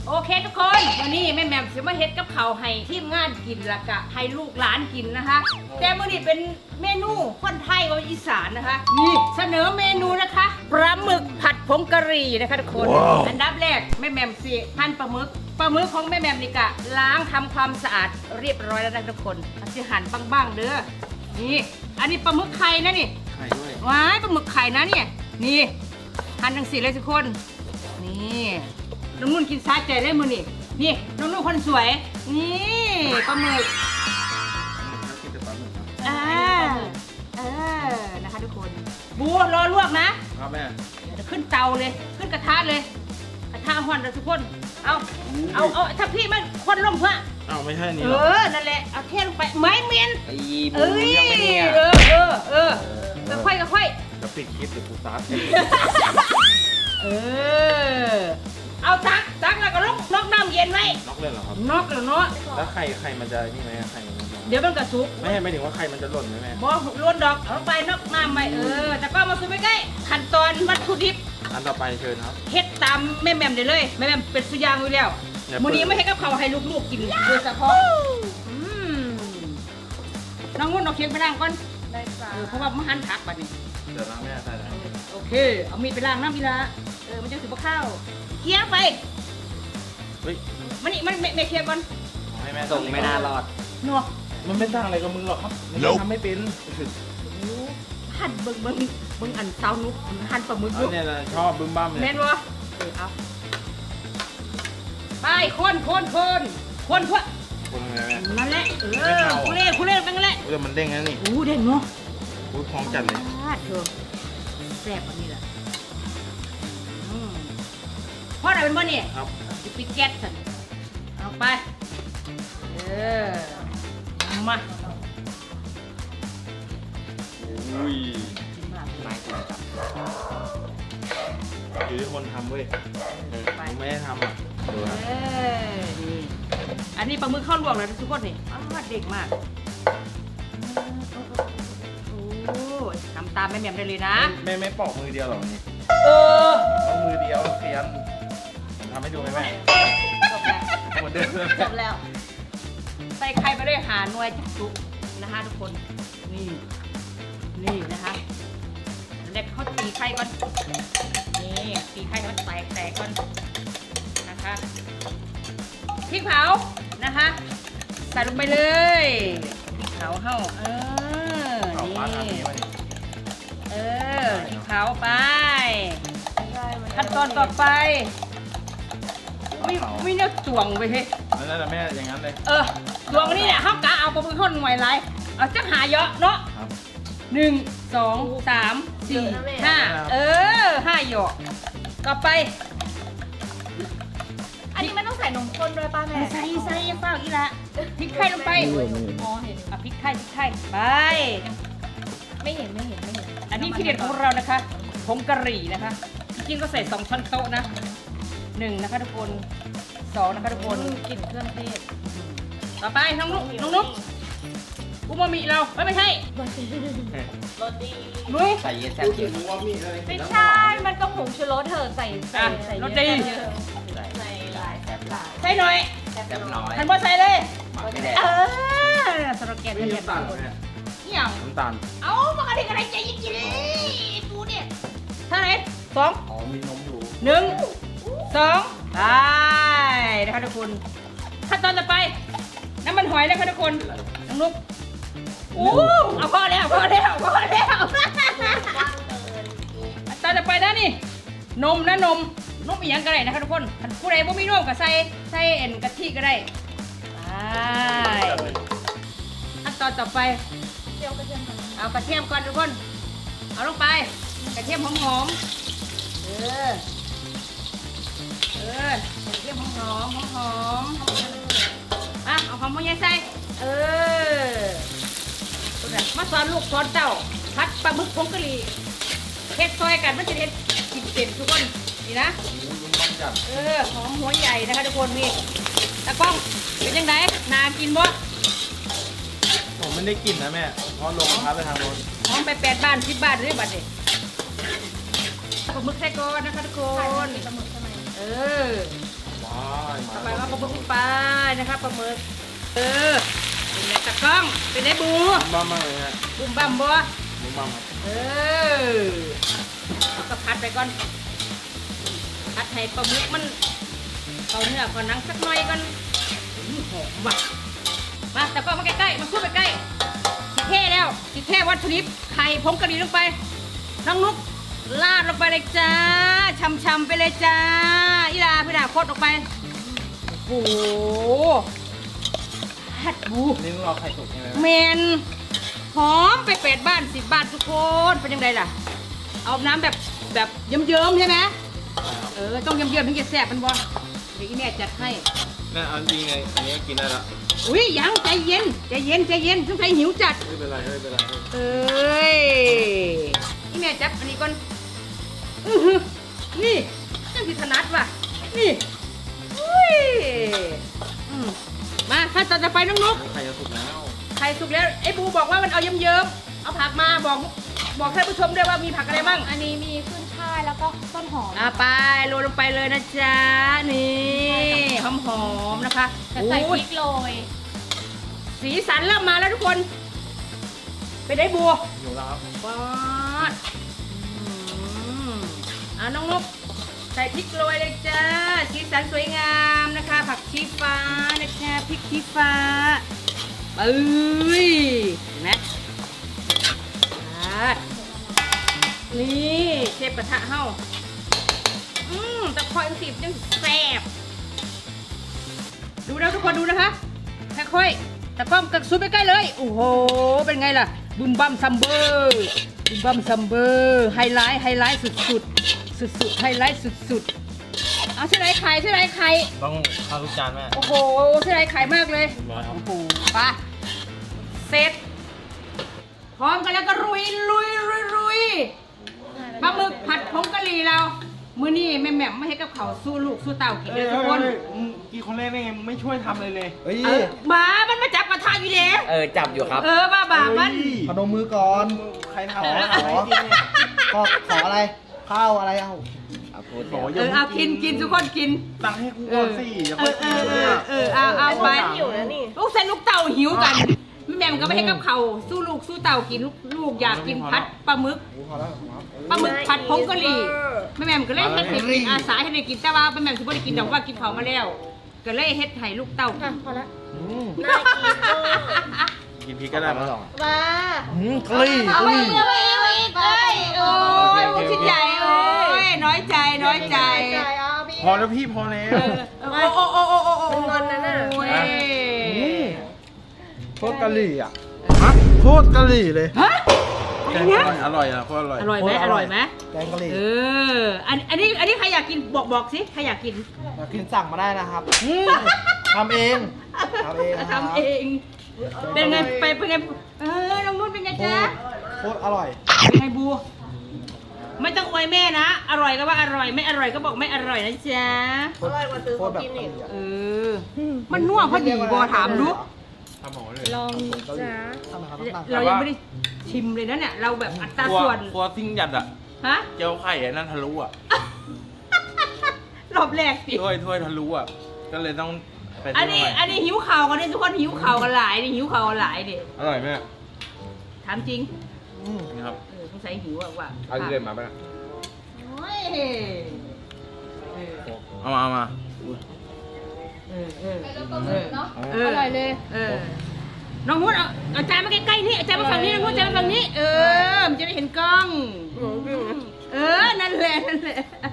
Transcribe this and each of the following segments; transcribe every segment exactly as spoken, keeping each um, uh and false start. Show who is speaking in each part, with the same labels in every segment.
Speaker 1: โอเคทุกคนวันนี้แม่แหม่มจะมาเฮ็ดกับข้าวให้ทีมงานกินละกะให้ลูกหลานกินนะคะแต่มื้อนี้เป็นเมนูคนไทยกับอีสานนะคะนี่เสนอเมนูนะคะปลาหมึกผัดผงกะหรี่นะคะทุกคน wow. อันดับแรกแม่แหม่มสิหั่นปลาหมึกปลาหมึกของแม่แหม่มนี่กะล้างทำความสะอาดเรียบร้อยแล้วนะทุกคนสิหั่นบ้างๆเด้อนี่อันนี้ปลาหมึกไข่นะนี่
Speaker 2: ไข่ด้วย
Speaker 1: ว้ายปลาหมึกไข่นะเนี่ยนี่หั่นทั้งสี่เลยทุกคนนี่น้องนุ่นกินซาใจได้มือนี่นี่น้องนุ่นคนสวยนี่ปลาหมึกอ่าเออนะคะทุกคนบูรอลวกนะครับ
Speaker 2: แม่
Speaker 1: จะขึ้นเตาเลยขึ้นกระทะเลยกระทะห่อนเลยทุกคนเอาเอาเอาถ้าพี่มันควันลมเพื่อ
Speaker 2: เอาไม่ใช่นี่
Speaker 1: เออนั่นแหละเอาเทลงไปไม้เมียน
Speaker 2: ไอ้
Speaker 1: เอ้ยเออเออเออแล้วค่อยก็ค่อย
Speaker 2: จะปิดคลิปหรือกูซัด
Speaker 1: เออเอาตักตักแล้วก็ลงนอกน้ำเย็นไว้
Speaker 2: นอกเลยเหรอครับ
Speaker 1: นอกแล้วเนาะ
Speaker 2: แล้วไข่ไข่มันจะนี่ไหมไข่มัน
Speaker 1: เดี๋ยวมันกระซุก
Speaker 2: ไม่ใช่ไม่ถึงว่าไข่มันจะหล่นไหมแม่
Speaker 1: บ่ล้วนดอกเอาไปนอกน้ำไปเออแต่ก็มาซุปไปใกล้ขั้นตอนวัตถุดิบ
Speaker 2: อันต่อไปเชิญครับ
Speaker 1: เฮ็ดตามแม่แม่มได้เลยแม่แม่มเป็นสุยางอยู่แล้วมื้อนี้ไม่ให้กับเขาให้ลูกๆกินโดยเฉพาะอืมน้องงุ่นเอาเคียงไปล้างก่อนได้จ้ะเออเพราะว่ามันหั่นผักบัดนี้
Speaker 2: เดี๋ยวล้างแม่ใส่แล้ว
Speaker 1: โอเคเอามีดไปล้างน้ำอีละเออมันจะสิบ่ข้าวเคี่ยวไป
Speaker 2: เฮ้ย
Speaker 1: มันนี่มันไม่เคี่ยวก่อน
Speaker 2: ให้แม่ส่งไม่น่ารอด
Speaker 1: เนาะ
Speaker 2: มันไม่ต่างอะไรกับมึงหรอกครับมันทำไม่เป็น
Speaker 1: หั่นเบิ่งเบิ่งเบิ่งอันเต้านุ๊กหั่นปลาหมึกอยู่
Speaker 2: เนี่ยนะชอบบึ้มบ้ามเลย
Speaker 1: แม่นบ่เออเอาไปคนคนคนคนเพื่อ
Speaker 2: คนยังไงแม่
Speaker 1: นั่นแหละเออคุเล่คุเล่เป็นไงแหละ
Speaker 2: เออมันเด้งนะนี่
Speaker 1: อู้เด้งเนาะ
Speaker 2: อู้พร้อมจัดเลย
Speaker 1: เธอแซ่บอันนี้แหละพ่อไหนเป็นบ่เนี่ย
Speaker 2: ครับ
Speaker 1: จะปิดแก๊สสั่นเอาไปเออมา
Speaker 2: อุ้ยไม่ควรจับอยู่ที่คนทำเว้ยไม่ได้ทำอ่ะ
Speaker 1: เออนี่อันนี้ปลาหมึกข้าวลวกเลยทุกคนนี่อ้าวเด็กมากโอ้ทำตามแม่แม่ได้เลยนะ
Speaker 2: แม่ไม่ปอกมือเดียวหรอนี่
Speaker 1: เออ
Speaker 2: เอามือเดียวเซียนผมทำให้ดูไหมแม่
Speaker 1: จบแล้ว
Speaker 2: หมดเดิม
Speaker 1: จบแล้วใส่ไข่ไปด้วยหาหน่วยจักจุนะคะทุกคนนี่นี่นะคะเด็กเขาตีไข่ก่อนนี่ตีไข่มันแตกแตกก่อนนะคะพริกเผานะคะใส่ลงไปเลยพริกเผาเข้าเออนี่เออพริกเผาไปขั้นตอนต่อไปไม่ไม่เนื้อจวงไปเฮ้ย
Speaker 2: นั่นแหละแม่อย่างนั้นเลย
Speaker 1: เออจวงนี่เนี่ยเขากะเอาปลาหมึกทอดหน่วยไรเอาจักหาเยอะเนาะหนึ่งสองสามสี่ห้าเออห้าหยอกต่อไป
Speaker 3: อันนี้มันต้องใส่นมข้นด้วยป้าแม่
Speaker 1: ใส่ใส่เปล่าอีละพริกไทยลงไป
Speaker 3: อ๋อเห็น
Speaker 1: อ่ะพริกไทยพริกไทยไป
Speaker 3: ไม่เห็นไม่เห็นไม่เห็น
Speaker 1: อันนี้ที่เด็ดของเรานะคะผงกะหรี่นะคะจริงๆก็ใส่สองช้อนโต๊ะนะหนึ่งนะคะทุกคนสองนะคะทุกคน
Speaker 3: กลิ่นเครื่องเทศ
Speaker 1: ต่อไปน้องนุ๊กน้องนุ๊กอูมามิเราไม่ไม่ใช่
Speaker 3: โรตี
Speaker 1: นุ้ย
Speaker 2: ใส่เยอะแซ่บเยอะ
Speaker 3: ไม่ใช่มันก็ผงชูรสเถอะใส่ใส่ใส่
Speaker 1: โรตี
Speaker 3: ใส่หลายแซ่บหลาย
Speaker 1: ใส่หน่อย
Speaker 2: แซ่บน้อย
Speaker 1: ทันบ่ใส่เลย
Speaker 2: ไม่ได้
Speaker 1: เออสโลแกนเป็นยังไงอย่าง
Speaker 2: น้ำตาล
Speaker 1: เอามากระดิ่งอะไรใจยิ่งกินปูเนี่ยเท่าไหร่สอง
Speaker 2: อ๋อมีนมอยู่
Speaker 1: หนึ่งสองไปนะคะทุกคนขั้นตอนต่อไปน้ำมันหอยนะคะทุกคนน้องนุ๊กโอ้เอาพอแล้วพอแล้วพอแล้วตอนต่อไปนะนี่นมนะนมนมอีกอย่างก็ได้นะคะทุกคนผู้ใดบ่มีนมก็ใส่ใส่เอ็นกะทิก็ได้ขั้นตอนต่อไปเอากระเทียมก่อนทุกคนเอาลงไปกระเทียมหอมๆเออเออกระเทียมหอมหอมหอมอ่ะเอาหอมมาใส่เออมาสอนลูกสอนเต้าพัดปลาหมึกผงกะหรี่เฮ็ดซอยกันมันจะเฮ็ดกินเต็มทุกคนนี่นะเออหอมหัวใหญ่นะคะทุกคนนี่ตะก้องเป็นยังไงนากินบ่
Speaker 2: ผมไม่ได้กลิ่นนะแม่เพราะลงพัดไปทางโน้น
Speaker 1: หอมไปแปดบ้านสิบบาทหรือบัตรดิปลาหมึกใส่ก้อนนะคะทุกคน
Speaker 3: ปลาหมึกใช่ไหม
Speaker 1: เออ
Speaker 2: ว้าว
Speaker 1: ลาหมึกลงไปนะคะปลาหมึกเออเป็นไงตะกล้องเป็นไงบู
Speaker 2: บ้ามากเลยฮะ
Speaker 1: บุ้มบั่มบัว
Speaker 2: หมูบ้ามครับ
Speaker 1: เออแล้วก็พัดไปก่อนพัดให้ปลาหมึกมันเอาเนื้อก่อนหนังสักหน่อยก่อนอื้อหอมว่ะมาตะกล้องมาใกล้ๆมาสู้ไปใกล้สิเท่แล้วสิเท่วัตถุดิบไข่ผงกะหรี่ลงไปน้องนุ๊กลาดลงไปเลยจ้าช่ำๆไปเลยจ้าอีลาพี่ดาโคตรลงไปโอ้โหฮัดบู
Speaker 2: นี่มึงรอไข่สุกใช่ไหม
Speaker 1: เมนหอมไปเป็ดบ้านสิบบาททุกคนเป็นยังไงล่ะ เอาน้ำแบบแบบเยิ้มๆใช่ไหมเออต้องเยิ้มๆถึงจะแซ่บมันบอลเดี๋ยวอีแม่จัดให้
Speaker 2: แม่เอาจริงไงอันนี้กินได้ละ
Speaker 1: อุ้ยยังใจเย็นใจเย็นใจเย็นต้องใจหิวจัด
Speaker 2: ไม่เป็นไรไม่เป็นไร
Speaker 1: เอ้ยอีแม่จับอันนี้ก่อนอื้อหือนี่จังสิถนัดว่ะนี่อุ้ยอืมมาขั้นตอนต่อไปน้องนุ๊ก
Speaker 2: ไข่จะสุกแล้ว
Speaker 1: ไข่สุกแล้วไอ้บูบอกว่ามันเอาเยิ้มๆเอาผักมาบอกบอกท่านผู้ชมด้วยว่ามีผักอะไรบ้าง
Speaker 3: อันนี้มีขึ้นช่ายแล้วก็ต้นหอม
Speaker 1: อ่ะไปโรยลงไปเลยนะจ๊ะนี่หอมๆนะคะ
Speaker 3: แต่ใส่พ
Speaker 1: โอ้ย
Speaker 3: ริกโรย
Speaker 1: สีสันเริ่มมาแล้วทุกคนไปได้บัว
Speaker 2: อยู่แล้วครับ
Speaker 1: ปอดอืมอ่ะน้องนกใส่พริกโรยเลยจ้าสีสันสวยงามนะคะ ผักชีฟ้านะคะพริกชี้ฟ้าเอ้ยเห็นไหมอ่ะนี่เชฟกระทะเฮาอืมตะคอยสิบยังแซ่บดูนะทุกคนดูนะคะค่อยๆตะก้อมกับซุปไปใกล้เลยโอ้โหเป็นไงล่ะบุมบัมซัมเบอร์บุมบัมซัมเบอร์ไฮไลท์ไฮไลท์สุดๆสุดๆไฮไลท์สุดๆเอาเส้นไรไข่เส้นไรไข่
Speaker 2: ต้องข้าวทุกจานแม่
Speaker 1: โอ้โหเส้นไรไข่มากเลย
Speaker 2: ร้อยครับ
Speaker 1: โอ้โหไปเสร็จพร้อมกันแล้วก็รุยลุยรุยรุยปลาหมึกผัดผงกะหรี่เรามื้อนี้แม่แหม่มไม่ให้กับเขาวสู้ลูกสู้เต่ากินเลยทุกคน
Speaker 2: กี่คนแรกได้ไงมึงไม่ช่วยทำเลยเลยเฮ้ย
Speaker 1: เออหมามันมาจับกระทะอยู่แล้ว
Speaker 4: เออ จับอยู่ครับ
Speaker 1: เออบ้าบามัน
Speaker 5: พนมมือก่อน
Speaker 2: ใครทำ
Speaker 5: ขอ
Speaker 2: อะไร
Speaker 5: ขอ
Speaker 2: ให้กินเนี่ย
Speaker 5: ขอขออะไร ข้าวอะไรเอา
Speaker 4: เอาพูด
Speaker 2: โอ้ย
Speaker 1: เออเอากินกินทุกคนกิน
Speaker 2: ตังค์ให้กูก่อนสิอย่า
Speaker 1: เอ
Speaker 2: ค่อย
Speaker 1: อเอ
Speaker 2: กิน
Speaker 1: อ
Speaker 2: เลย
Speaker 1: เออเออเอาเอาไป
Speaker 2: หิวนะนี่
Speaker 1: ลูกใส่ลูกเต่าหิวกันแม่แหม่มก็ไม่ให้กับเขาวสู้ลูกสู้เต่ากินลูกลูกอยากกินผัดปลาหมึก
Speaker 5: โอ้พอแล้วพอแล้ว
Speaker 1: ปลาหมึกผัดผงกะหรี่แม่แหม่มก็เลยเฮ็ดให้กินอาสาให้ได้กินแต่ว่าแม่แหม่มสิบ่ได้กินดอกว่ากินเขาวมาแล้ว ก็เลยเฮ็ดให้ลูกเต่ากิน
Speaker 3: พอละ
Speaker 5: อืม
Speaker 2: กินพริกก็ได้มั้ง
Speaker 3: มา
Speaker 5: อืมกะหรี่
Speaker 1: เอา
Speaker 5: กะ
Speaker 1: ไป
Speaker 5: หรี่
Speaker 1: เอาไปเอาไปเอ้ยโอ้ยผู้ชิ้นใหญ่โอ้ยน้อยใจน้อยใจ
Speaker 3: จ่ายเอาพี่
Speaker 2: พอแล้วพี่พอแล้
Speaker 1: เอ
Speaker 2: ว
Speaker 1: อโอ้โอ้โอ้โอ้โอ้
Speaker 3: เป็นงอนนะน่ะ
Speaker 1: โอ้ย
Speaker 5: อืมโคตรกะหรี่อ่ะฮะโคตรกะหรี่เลย
Speaker 1: ฮะอะไรนะ
Speaker 2: อร่อยอ่ะโคตรอร่อย
Speaker 1: อร่อยไหมอร่อยไหม
Speaker 5: แกงกะหรี่
Speaker 1: เอออันอันนี้อันนี้ใครอยากกินบอกบอกสิใครอยากกิน
Speaker 5: อยากกินสั่งมาได้นะครับอืมทำเองทำเองนะครับ
Speaker 1: ทำเอง เป็นไงไปเป็นไงเออน้องนุ่นเป็นไง
Speaker 5: โค
Speaker 1: จ๊ะ
Speaker 5: ตรโคตรอร่อย
Speaker 1: เป็นไงบูไม่ต้องอวยแม่นะ อร่อยก็ว่าอร่อยไม่อร่อยก็บอกไม่อร่อยนะจ๊ะ
Speaker 5: โคตรโคตรแบบกะหรี่อะ
Speaker 1: เออ มันนัวพอดีบอถามดู
Speaker 2: ทำหมอเลย
Speaker 3: ลองจ้า
Speaker 5: ทำไมครับต้อง
Speaker 1: เรายังไม่ได้ชิมเลยนะเนี่ย เราแบบอัตรา
Speaker 2: ครัว
Speaker 1: ส่วน
Speaker 2: ครัวซิ่งหยัดอ่ะ
Speaker 1: ฮะ
Speaker 2: เจียวไข่ไอ้นั่นทะลุอ่ะ
Speaker 1: รอบแรกสิ
Speaker 2: ถ้วยถ้วยทะลุอ่ะ ก็เลยต้องไป
Speaker 1: อัน
Speaker 2: ซื้อ
Speaker 1: นี้
Speaker 2: มาใหม่
Speaker 1: อันนี้หิวข่าวกันนี่ทุกคนหิวข่าวกันหลายนี่หิวข่าวกันหลายดิ
Speaker 2: อร่อยไหม
Speaker 1: ถามจริง
Speaker 5: อืม
Speaker 2: นี่ครับ
Speaker 1: เออสงสัยหิวอะว่า
Speaker 2: เอาที่เดินมาปะ
Speaker 1: โอ้ยเออ
Speaker 2: เอามาเอามา
Speaker 1: เออเออเออ
Speaker 3: เนาะ
Speaker 1: เออ
Speaker 3: อร่อยเลย
Speaker 1: เออ น้องนุชเอาเอาจานมาใกล้ๆนี่เอาจานมาฝั่งนี้น้องนุชจานมาฝั่งนี้ เออ มันจะได้เห็นกล้อง เออ นั่นแหละ นั่นแหละ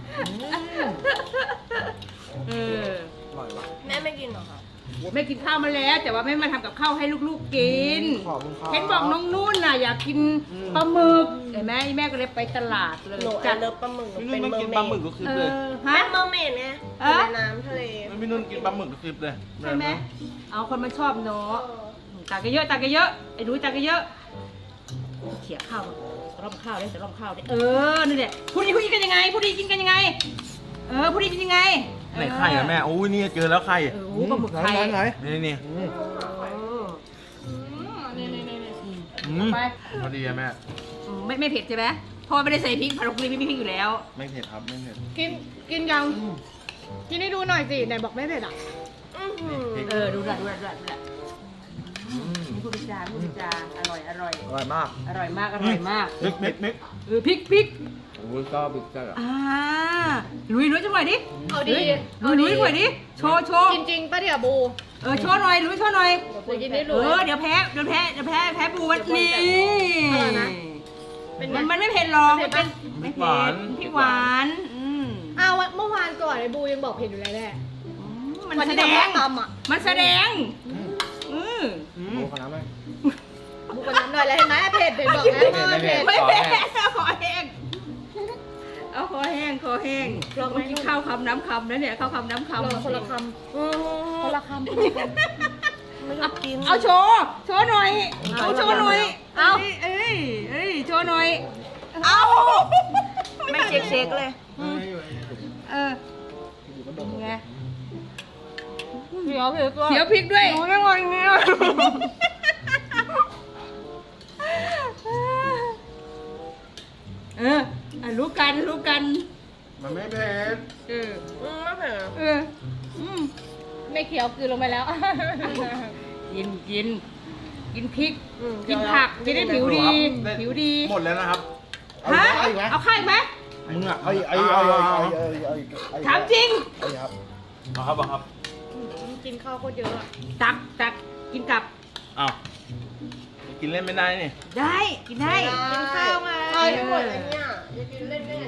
Speaker 1: เออ
Speaker 5: อร่อยว่ะ
Speaker 3: แม่ไม่กินหรอคะ
Speaker 1: แม่กินข้าวมาแล้ว แต่ว่าแม่มาทำกับข้าวให้ลูกๆกิน
Speaker 5: ขอบคุณครับ
Speaker 1: เห็นบอกน้องนุ่นน่ะอยากกินปลาหมึกเห็นไหมแม่ก็เลยไปตลาดเลย
Speaker 6: หนู
Speaker 1: จั
Speaker 6: จะ
Speaker 1: ด
Speaker 6: เลิฟปลาหมึกหนู
Speaker 2: พี่
Speaker 6: เป็
Speaker 2: นุ่
Speaker 6: น
Speaker 2: น
Speaker 6: เม
Speaker 2: ต้อง
Speaker 6: อ
Speaker 2: กิน
Speaker 6: ร์
Speaker 2: ป
Speaker 6: เม
Speaker 2: ลาหมึก
Speaker 6: ด
Speaker 2: ทุกคลิป
Speaker 1: เอ
Speaker 2: เลย
Speaker 1: อฮะ
Speaker 6: เป็นเมอร์เมดไง
Speaker 1: เออ
Speaker 6: ในน้ำทะเล
Speaker 2: พี่นุ่นกินปลาหมึกทุกคลิปเลย
Speaker 1: เอาคนมาชอบเนาะตักกันเยอะตักกันเยอะไอ้ดูตักกันเยอะเขี่ยข้าวจะร่อมข้าวได้จะร่อมข้าวได้เออนี่แหละผู้ดีผู้ดีกันยังไงผู้ดีกินกันยังไง เออผู้ดีกินยังไง
Speaker 2: ไหนไข่อะแม่ โอ้ยนี่เจอแล้วไข่
Speaker 1: เออโอ้ปลาหมึกไข่
Speaker 5: ไหนไหน
Speaker 2: นี่นี่
Speaker 5: อืม
Speaker 1: นี่นี่นี่นี่
Speaker 2: อืม
Speaker 1: ไป
Speaker 2: พอดีอะแม่
Speaker 1: ไม่ไม่เผ็ดใช่ไหมเพราะว่าไม่ได้ใส่พริกผัดกะหรี่ไม่มีพริกอยู่แล้ว
Speaker 2: ไม่เผ็ดครับ ไม่เผ็ด
Speaker 3: กินกินยังกินให้ดูหน่อยสิไหนบอกไม่เผ็ดอ่ะ
Speaker 1: เออดูด้วยดูด้วยดูด้วยนี่พูดจาพูดจาอร่อยอร่อย
Speaker 5: อร่อยมาก
Speaker 1: อร่อยมากอร่อยมาก
Speaker 2: มิกมิกมิก
Speaker 1: เออพริกพริก
Speaker 5: โอ้ยก็บิ๊กจ้าอ่ะ
Speaker 1: อ่าลุยลุยจังหน่อยดิ
Speaker 3: เอาดี
Speaker 1: เออลุยหน่อยดิโชว์โชว์
Speaker 3: จริงๆป้าเดี๋ยวบู
Speaker 1: เออโชว์หน่อยลุยโชว์หน่อย
Speaker 3: จะกินได้
Speaker 1: เอ
Speaker 3: รู้
Speaker 1: อเดี๋ยวแพ้เดี๋ยวแพ้เดี๋ยวแพ้แพ้ปูวันนี้
Speaker 3: อร่อยนะเป็นไง
Speaker 1: มันมันไม่เผ็ดหรอก
Speaker 3: เผ็
Speaker 1: มัน
Speaker 3: ด
Speaker 1: เป็
Speaker 3: ปะ
Speaker 1: นไม่เผ็ดพริกหวานอืม
Speaker 3: อ้าวเมื่อวานก่อนไอ้บูยังบอกเผ็ดอยู่เลยแหละ
Speaker 1: มัน
Speaker 3: วัน
Speaker 1: แส
Speaker 3: ที่
Speaker 1: ด
Speaker 3: เรา
Speaker 1: ง
Speaker 3: ตำอ่ะ
Speaker 1: มันแสดงอือ
Speaker 5: โอ้ขนาดไหม
Speaker 3: บูกันน้ำหน่อยแล้วเห็นไหมเผ็ดเผ็ดบอกแล้วว่า
Speaker 5: ไม่เผ็
Speaker 3: เผ็
Speaker 5: ด
Speaker 3: ด
Speaker 1: ไม่เผ็ดเอาคอแห้งเอาคอแห้งคอแห้ง
Speaker 3: ลองไหม
Speaker 1: กินข้าวคำน้ำคำนะเนี่ยข้าวคำน้ำคำ
Speaker 3: เราคนละคำคนละคำไม่ต้องกิน
Speaker 1: เอาโชว์โชว์หน่อย
Speaker 3: เอา
Speaker 1: เอาโชว์หน่อย
Speaker 3: เอา
Speaker 1: เอ้ยเอ้ยโชว์หน่อยเอา
Speaker 3: ไม่เช็คๆเลย
Speaker 1: เออไง
Speaker 3: เดี๋ยวเผ็ดตัว
Speaker 1: เขียวพริกด้วย
Speaker 3: รู้ได้ไงเนี่ย
Speaker 1: เอออ่ะรู้กันรู้กัน
Speaker 2: มันไม่เผ็ด
Speaker 1: เออ
Speaker 3: ไม่เผ็ด
Speaker 1: เอออืม
Speaker 3: ไม่เคี้ยวกลืนลงไปแล้ว
Speaker 1: กินกินกินพริก กินผักจะได้ผิวดี ผิวดี
Speaker 2: หมดแล้วนะครับ
Speaker 5: เอา
Speaker 1: ฮะ
Speaker 5: อีกไหม
Speaker 1: เอาไข่ไหม
Speaker 2: มึงอ่ะ
Speaker 5: เอาอีกเอาอีกเอาอีกเอาอีกเอาอีกเอาอีกเอาอีก
Speaker 1: ถามจริง
Speaker 5: เอาอีกครับ
Speaker 2: เอาครับเอาครับ
Speaker 3: กินข้าวโคตรเยอะอะ
Speaker 1: ตักตักกินกับ
Speaker 2: อ้าวกินเล่นไม่ได้นี่
Speaker 1: ได้กินได้
Speaker 3: กินข้าวมา
Speaker 1: เอาให้หมด
Speaker 3: อันเนี้ยจะกินเล่นได้ไง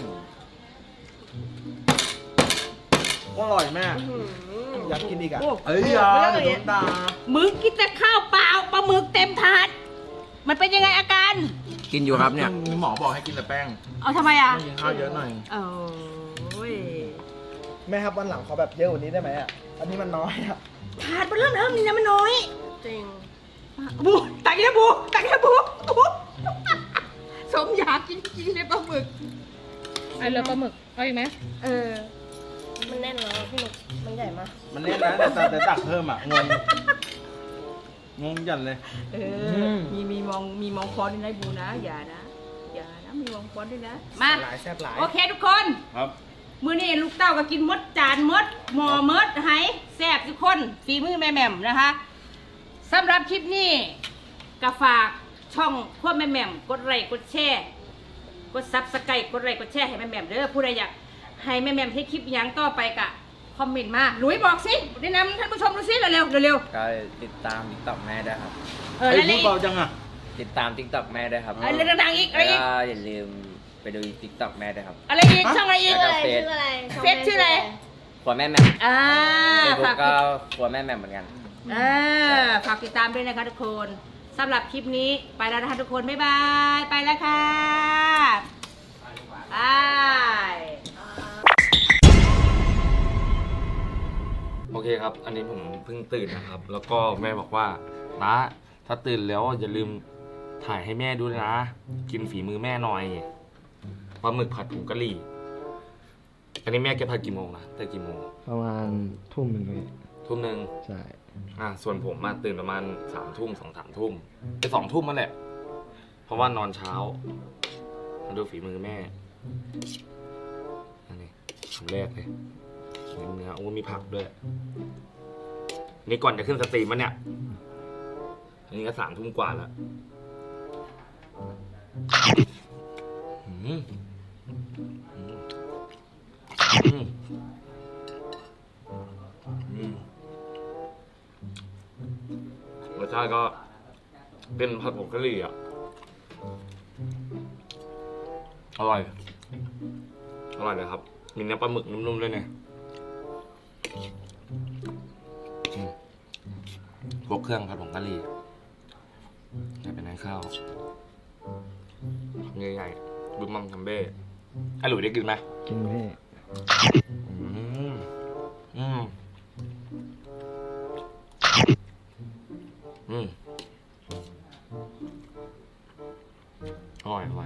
Speaker 2: อร่อยแม่
Speaker 5: อยากกินอีกอ่ะ
Speaker 1: โอ้
Speaker 2: เอ้ยอย่าเดี๋ยวโดนด่า
Speaker 1: มึงกินแต่ข้าวเปล่าปลาหมึกเต็มถาด มันเป็นยังไงอาการ
Speaker 5: กินอยู่ครับเนี่ย
Speaker 2: มีหมอบอกให้กินแต่แป้ง
Speaker 1: เอาทำไมอ่ะ
Speaker 2: ต้องกินข้าวเยอะหน่อย
Speaker 1: โอ้ย
Speaker 5: แม่ครับวันหลังขอแบบเยอะกว่านี้ได้ไหมอ่ะ อันนี้มันน้อยอ่ะ
Speaker 1: ถาดมันเริ่มเริ่มนี่นะมันน้อย
Speaker 3: จริง
Speaker 1: บูตักอีกแล้วบูตักอีกแล้วบูบูสมอยากกินจริงเลยปลาหมึก
Speaker 3: ไอ้เรือปลาหมึกเอาอีกไหม
Speaker 1: เออ
Speaker 3: มันแน่นแล้วพี่หนุกมันใหญ่มาก
Speaker 2: มันเล่นนะแต่แต่แต่ตักเพิ่มอ่ะ งง งงจัดเลย
Speaker 1: เออ มีมีมองมีมองฟอนด้วยนะบูนะ อย่านะ อย่านะ มีมองฟอนด้วยนะ มา
Speaker 5: หลายแซ่บหลาย
Speaker 1: โอเคทุกคน
Speaker 2: ครับ
Speaker 1: มื้อนี้ลูกเต้าก็กินมดจานมดหมอมดไหแซ่บทุกคนฝีมือแม่แหม่มนะคะสำหรับคลิปนี้ก็ฝากช่องพวกแม่แหม่มกดไลค์กดแชร์กดซับสไครต์กดไลค์กดแชร์ให้แม่แหม่มเด้อผู้ใดอยากให้แม่แหม่มให้คลิปหยังต่อไปกะคอมเมนต์มาหลุยบอกสิแนะนำท่านผู้ชมดูสิเร็วๆเร็ว
Speaker 4: ก็ติดตามติ๊กต็อกแม่ด้วยครับ
Speaker 1: ๆเออ
Speaker 2: ไอ้
Speaker 1: แล้ว
Speaker 2: พู
Speaker 1: อะไรอีก
Speaker 2: ดเบาจังอ่ะ
Speaker 4: ติดตามติ๊กต็อกแม่ด้วยครับ
Speaker 1: อะไรดังๆอีกอะไร
Speaker 4: แล้ว
Speaker 1: อีก
Speaker 4: ก็อย่าลืมไปดูติ๊กต็อกแม่ด้วยครับ
Speaker 1: อะไรอีกช่องอะไรอีก
Speaker 4: แล้วก็
Speaker 3: ชื่ออะไร
Speaker 1: เฟซชื่ออะไร
Speaker 4: ครัวแม่แหม่ม
Speaker 1: อ่า
Speaker 4: เฟซบุ๊
Speaker 1: ฝาก
Speaker 4: กก็ครัวแม่แหม่มเหมือนกัน
Speaker 1: เออฝากติดตามด้วยนะคะทุกคนสำหรับคลิปนี้ไปแล้วนะคะทุกคน บ๊ายบาย ไปแล้วค่ะบาย
Speaker 6: โอเคครับ อันนี้ผมเพิ่งตื่นนะครับ แล้วก็แม่บอกว่านะถ้าตื่นแล้วอย่าลืมถ่ายให้แม่ดูนะ กินฝีมือแม่หน่อยปลาหมึกผัดผงกะหรี่ อันนี้แม่แกผัดกี่โมงนะแต่กี่โมง
Speaker 5: ประมาณทุ่มหนึ่งเลย
Speaker 6: ทุ่มหนึ่ง
Speaker 5: ใช่
Speaker 6: อ่าส่วนผมมาตื่นประมาณสามทุ่มสองสามทุ่มไปสองทุ่มนั่นแหละ เพราะว่านอนเช้า มาดูฝีมือแม่ อันนี้คำแรกเลยเนื้อเนื้อโอ้มีผักด้วย นี่ก่อนจะขึ้นสตรีมมันเนี่ย อันนี้ก็สามทุ่มกว่าแล้วอืมอืมอืมอืมรสชาติก็เป็นผัดผงกะหรี่อ่ะ อร่อย อร่อยเลยครับ มีเนื้อปลาหมึกนุ่มๆด้วยเนี่ยอืมพวกเครื่องผัดผงกะหรี่นี่เป็นน้ำข้าวใหญ่ๆบึ้มมัมทัมเบ้ไอ้หลุยได้กินไหม
Speaker 5: กินพี่
Speaker 6: อืมอืมอืมอร่อยอร่อย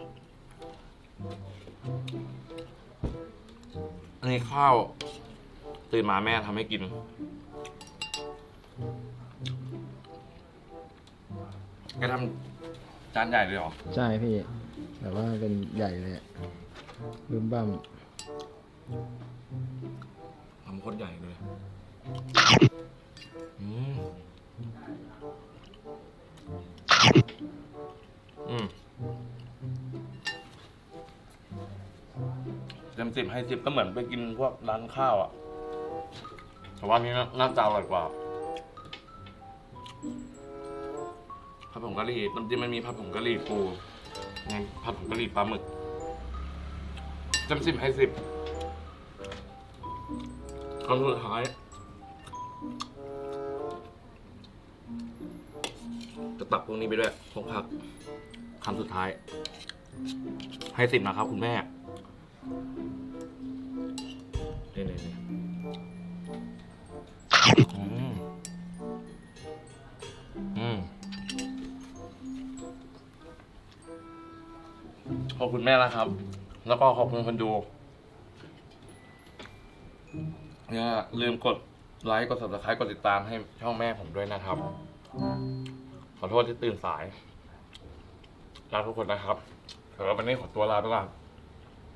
Speaker 6: อันนี้ข้าวตื่นมาแม่ทำให้กินแกทำจานใหญ่เลยเหรอ
Speaker 5: ใช่พี่ แต่ว่าเป็นใหญ่เลยลืมบ้าม
Speaker 6: ทำโคตรใหญ่เลยอืมอืมเต็มสิบให้สิบก็เหมือนไปกินพวกร้านข้าวอ่ะแต่ว่านี้น่าจะอร่อยกว่าผัดผงกะหรี่น้ำจิ้มมันมีผัดผงกะหรี่ปูไงผัดผงกะหรี่ปลาหมึกเต็มสิบให้สิบคำสุดท้ายจะตักพวกนี้ไปด้วยพวกผักคำสุดท้าย ให้สิบนะครับคุณแม่นี่นี่นี่อืมอืมขอบคุณแม่นะครับ แล้วก็ขอบคุณคนดูอย่าลืมกดไลค์กด ซับสไครบ์ กดติดตามให้ช่องแม่ผมด้วยนะครับ ขอโทษที่ตื่นสายลาทุกคนนะครับสำหรับวันนี้ขอตัวลาไปก่อน